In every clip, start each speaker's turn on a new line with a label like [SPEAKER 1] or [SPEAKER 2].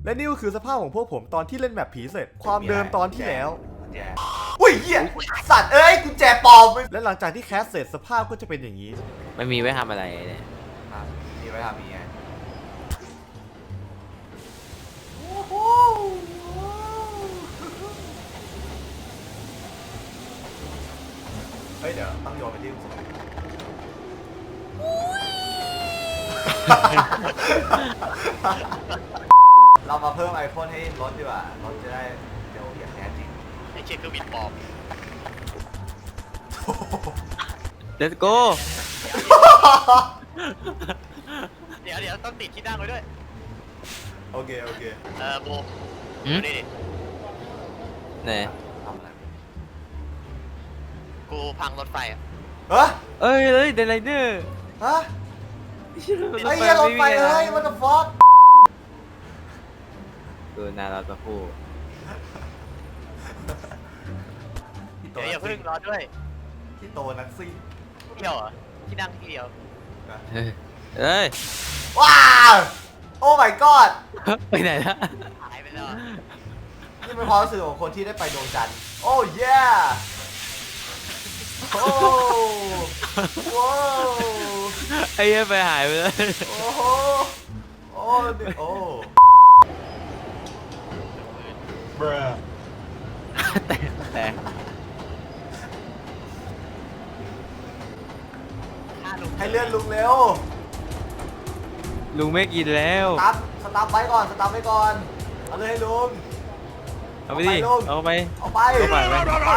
[SPEAKER 1] และนี่ก็คือสภาพของพวกผมตอนที่เล่นแมปผีเสร็จความเดิมตอนที่แล้วอุ้ยเหี้ยสัตว์เอ้ยกุญแจปลอมและหลังจากที่แคสเสร็จสภาพก็จะเป็นอย่างนี้
[SPEAKER 2] ไม่มีไว้ทำอะไรเนี่ย
[SPEAKER 3] มีไว้ทำมีไงเฮ้ยเดี๋ยวต้องโยนไปที่สูงเรามาเพิ่มไอพ่นให้รถดีกว่ารถจะได้เร็วอย่างแท้จริง
[SPEAKER 4] ไอ้เชี่ยคือบิดปอบ
[SPEAKER 2] Let's go
[SPEAKER 4] เดี๋ยวต้องติดที่นั่งไว้ด้วย
[SPEAKER 3] โอเคโอเค
[SPEAKER 4] โบ
[SPEAKER 2] หืม
[SPEAKER 4] ดูดิ
[SPEAKER 2] ไหน
[SPEAKER 3] ทำอะไร
[SPEAKER 4] กูพังรถไฟอ่ะ
[SPEAKER 3] เฮ้ย
[SPEAKER 2] เอ้ยเดนไลเนอร์
[SPEAKER 3] ฮะไอ้เหี้ยรถไฟเอ้ย what the fuck
[SPEAKER 2] ดูนาเราจะพูด
[SPEAKER 4] เดี๋ยวอย่าเพิ่งรอด้วย
[SPEAKER 3] ที่โตนักซิ่ง
[SPEAKER 4] เที่ยวเหรอที่นั่งที่เดียว
[SPEAKER 2] เอ้ย
[SPEAKER 3] ว้าวโอ้ my god
[SPEAKER 2] ไปไหนละ
[SPEAKER 4] หายไปแล้วอะ
[SPEAKER 3] นี่เป็นความรู้สึกของคนที่ได้ไปดวงจันทร์โอ้ yeah โอ้ว้าว
[SPEAKER 2] ไอ้เหี้ยไปหายไปเลย
[SPEAKER 3] โอ้โหโอ้ดิโอ้
[SPEAKER 2] แต่
[SPEAKER 4] ฆ่าลุง
[SPEAKER 3] ให้เลื่อนลุงเร็ว
[SPEAKER 2] ลุงไม่กินแล้ว
[SPEAKER 3] สตาร์ทไว้ก่อนสตาร์ทไว้ก่อนเอาเลยให้ลุง
[SPEAKER 2] เอาไปดิ
[SPEAKER 3] เอาไป
[SPEAKER 2] เอาไป
[SPEAKER 3] เอาไป
[SPEAKER 2] เอาไป
[SPEAKER 3] เอาไป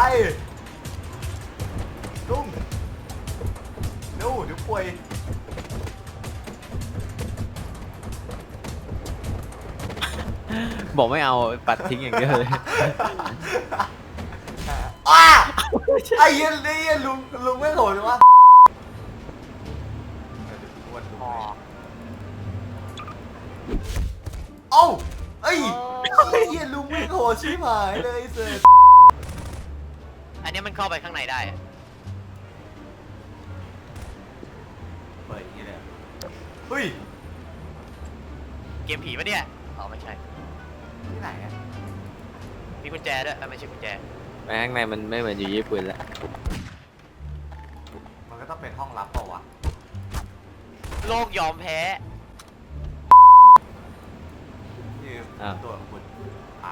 [SPEAKER 3] ลุงเร็วเดี๋ยวป่วย
[SPEAKER 2] บอกไม่เอาปัดทิ้งอย่างเดียวเลย
[SPEAKER 3] อ้าไอ้เหี้ยนี่ลุงไม่โหดเลยวะ
[SPEAKER 4] อ๋อ
[SPEAKER 3] เอ้าเอ้ยไอ้เหี้ยลุงไม่โหดชิบหายเลยเสร็จ
[SPEAKER 4] อันนี้มันเข้าไปข้างในได้อะ
[SPEAKER 3] เปิดอย่างนี้เลยเฮ้ย
[SPEAKER 4] เกมผีปะเนี่ยอ๋อไม่ใช่
[SPEAKER 3] ที่ไหนอะ
[SPEAKER 4] มีกุญแจด้วยไม่ใช่กุญแจ
[SPEAKER 2] ไปข้างในมันไม่เหมือนอยู่ญี่ปุ่นละ
[SPEAKER 3] มันก็ต้องเป็นห้องลับเปล่าวะ
[SPEAKER 4] โลกยอมแพ้
[SPEAKER 3] นี่ตัวของคุณอ่าน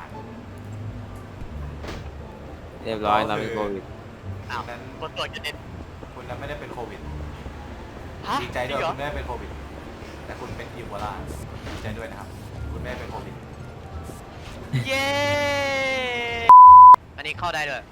[SPEAKER 2] เรียบร้อยเราเป็นโควิด
[SPEAKER 4] อ้าว
[SPEAKER 3] นั้น
[SPEAKER 4] คนตรวจจะเด็น
[SPEAKER 3] คุณนั้นไม่ได้เป็นโควิด
[SPEAKER 4] ฮะ
[SPEAKER 3] ดีใจด้วย
[SPEAKER 4] จริงเหรอ
[SPEAKER 3] คุณไม่ได้เป็นโควิด แต่คุณเป็นอีโบลาดีใจด้วยนะครับ คุณไม่ได้เป็นโควิด
[SPEAKER 4] เย้ อันนี้เข้าได้ด้วย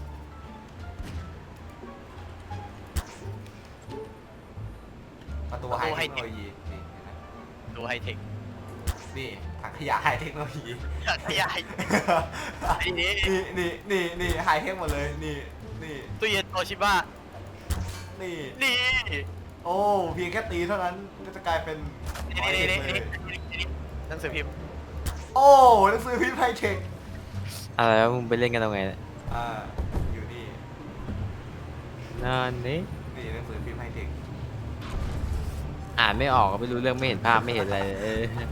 [SPEAKER 3] ประตูไฮเทคโนโลยีนี่เห็นไหม
[SPEAKER 4] ดูไฮเทค
[SPEAKER 3] นี่ถังขยะไฮเทคโนโลยี
[SPEAKER 4] ขยายอันนี้
[SPEAKER 3] นี่ไฮเทคหมดเลยนี่นี่
[SPEAKER 4] ตู้เย็นโตชิบะ
[SPEAKER 3] นี่
[SPEAKER 4] นี่
[SPEAKER 3] โอ้เพียงแค่ตีเท่านั้นก็จะกลายเป็น
[SPEAKER 4] นี่
[SPEAKER 3] ไฮเทคเลย
[SPEAKER 4] หนังสือพิมพ์
[SPEAKER 3] โอ้หนังสือพิมพ์ไฮเทค
[SPEAKER 2] อะไรวะมึงไปเล่นกันตรงไหนเนี่ย
[SPEAKER 3] อยู่นี่
[SPEAKER 2] นั่นนี่
[SPEAKER 3] นี่หนังสือพิมพ์ไฮเทค
[SPEAKER 2] อ่านไม่ออกก็ไม่รู้เรื่องไม่เห็นภาพไม่เห็นอะไรเลย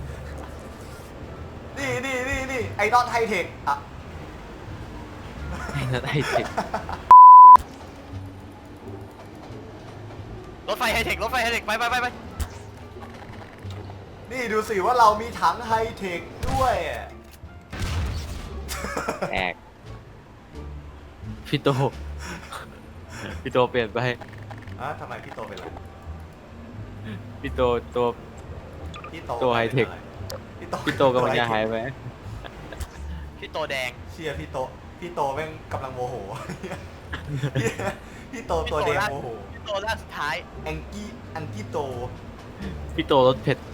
[SPEAKER 3] นี่ไอดอลไฮเทคอ่ะ
[SPEAKER 2] นั่นไอ้เด็ก
[SPEAKER 4] รถไฟไฮเทครถไฟไฮเทคไป
[SPEAKER 3] นี่ดูสิว่าเรามีถังไฮเทคด้วย
[SPEAKER 2] แอกพี่โตพี่โตเปลี่ยนไป
[SPEAKER 3] ทำไมพี่โตเป็นไร
[SPEAKER 2] พี่โตตัว
[SPEAKER 3] พี่โต
[SPEAKER 2] ตัวไฮเทค พี่โตกำลังจะหายไป
[SPEAKER 4] พี่โตแดง
[SPEAKER 3] เชียร์พี่โตแม่งกำลังโมโห พี่โตตัวแดงโมโห
[SPEAKER 4] พี่โตล่างสุดท้าย
[SPEAKER 3] แองกี้โต
[SPEAKER 2] พี่โตรถเผ็ด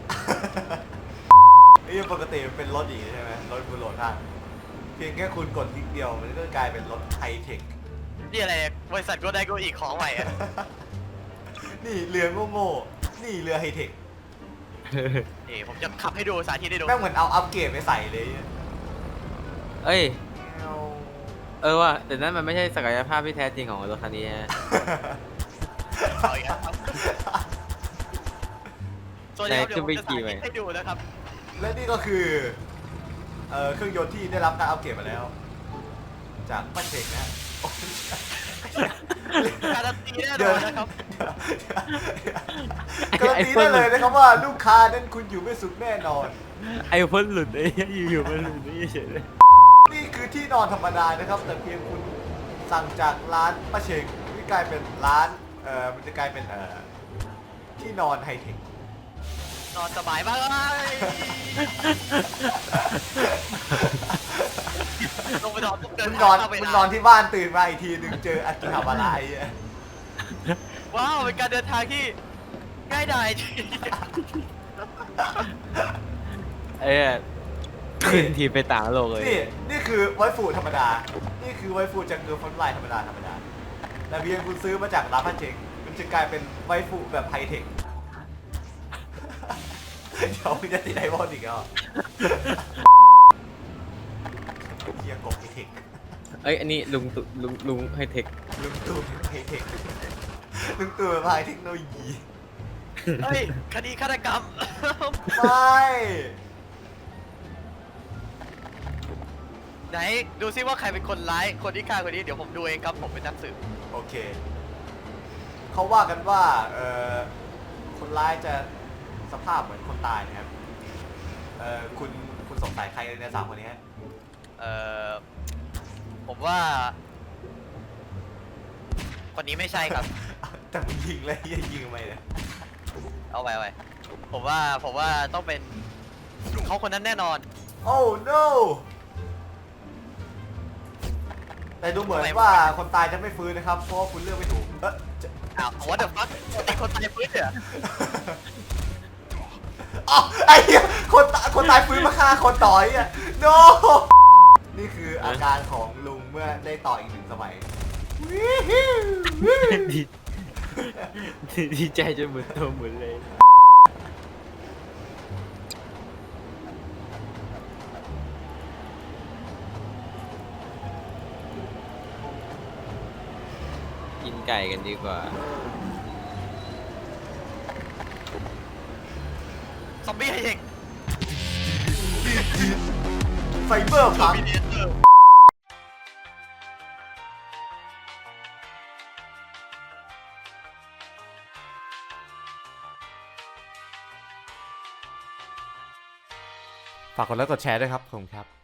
[SPEAKER 3] นี่ปกติมันเป็นรถอย่างนี้ใช่ไหมรถบนโหลดท่านเพียงแค่คุณกดคลิกเดียวมันก็กลายเป็นรถไฮเทค
[SPEAKER 4] นี่อะไรเนี่ยบริษัทก็ได้ก็อีกของใหม่อะ
[SPEAKER 3] นี่เรือโง่ๆนี่เรือไฮเทค
[SPEAKER 4] นี่ผมจะขับให้ดูสาธิตให้ดู
[SPEAKER 3] แม่งเหมือนเอาอัปเกรดไปใส่เลย
[SPEAKER 2] เอ้ยว่ะแต่นั่นมันไม่ใช่ศักยภาพที่แท้จริงของรถคันนี้ฮะ
[SPEAKER 4] เอาอีกแล้วครับส่วนใหญ่
[SPEAKER 2] ไหน
[SPEAKER 4] เดี๋ยวผมจะ
[SPEAKER 2] ขึ้นไปขี่
[SPEAKER 4] สา
[SPEAKER 2] ไหม
[SPEAKER 4] ธิตให้ดูนะครับ
[SPEAKER 3] และนี่ก็คือเครื่องยนต์ที่ได้รับการอัปเกรดมาแล้ว จากป้าเชงนะโอ้ย
[SPEAKER 4] การันตีแน่นอนนะครับ
[SPEAKER 3] การันตีได้เลยนะครับว่าลูกค้านั้นคุณอยู่ไม่สุขแน่นอน
[SPEAKER 2] ไอ้พ่นหลุดไอ้เหี้ยอยู่ๆมันหลุดนี่เฉยเลย
[SPEAKER 3] นี่คือที่นอนธรรมดานะครับ แต่เพียงคุณสั่งจากร้านป้าเชงที่กลายเป็นร้านมันจะกลายเป็นที่นอนไฮเทคน
[SPEAKER 4] อนสบายมากเลยลงไปนอนปุ๊บเดิ
[SPEAKER 3] คุ
[SPEAKER 4] น
[SPEAKER 3] ณนอน
[SPEAKER 4] เข้าไป
[SPEAKER 3] คุณนอนที่บ้านตื่นมาอีกทีหนึ่งเจออากิฮาบาระไอ้เหี้ย
[SPEAKER 4] ว้าวเป็นการเดินทางที่ง่ายดายจริง
[SPEAKER 2] ไอ้เหี้ยขึ้นทีไปต่างโลกเลย
[SPEAKER 3] นี่คือไวฟูธรรมดา นี่คือไวฟูจากเกอร์ฟอนไลน์ธรรมดาแต่เพียงคุณซื้อมาจากร้านป้าเชงมันจะกลายเป็นไวฟูแบบไฮเทค เดี๋ยวมึงจะติดไอวอนอีกแล้วเฮียกบไฮเทค
[SPEAKER 2] เอ้ยอันนี้ลุงไฮเทค
[SPEAKER 3] ลุงตู่ไฮเทคลุงตู่แบบไฮเทคโนโลยี
[SPEAKER 4] เฮ้ยคดีฆาตกรรม
[SPEAKER 3] ไม่
[SPEAKER 4] ไหนดูซิว่าใครเป็นคนร้ายคนที่ฆ่าคนนี้เดี๋ยวผมดูเองครับผมเป็นนักสืบ
[SPEAKER 3] โอเค เขาว่ากันว่าคนร้ายจะสภาพเหมือนคนตายนะครับคุณสงสัยใครในสามคนนี้ฮะ
[SPEAKER 4] ผมว่า คนนี้ไม่ใช่ครับ
[SPEAKER 3] แต่มึงยิงเลยเหี้ยยิงทำไมเนี่ย
[SPEAKER 4] เอาไว้ผมว่าต้องเป็นเขาคนนั้นแน่นอน
[SPEAKER 3] โอ้ no แต่ดูเหมือนว่าคนตายจะไม่ฟื้นนะครับ เพราะว่าคุณเลือกไม่ถูกจะ
[SPEAKER 4] อ้าวwhat the fuck เป็นคนตายฟื้นเหรอ
[SPEAKER 3] อ๋อไอ้เหี้ยคนตายฟื้นมาฆ่าคนต่อยอ่ะ no นี่คืออาการของลุงเมื่อได้ต่ออีกหนึ่งสมัย
[SPEAKER 2] ดีใจจนหมุนตัวหมุนเลย กินไก่กันดีกว่า
[SPEAKER 4] ซอมบี้ไฮเทค
[SPEAKER 3] ไฟเบอร์พัง
[SPEAKER 4] มีเดียเตอร์
[SPEAKER 1] ฝากกดไลค์กดแชร์ด้วยครับขอบคุณครับ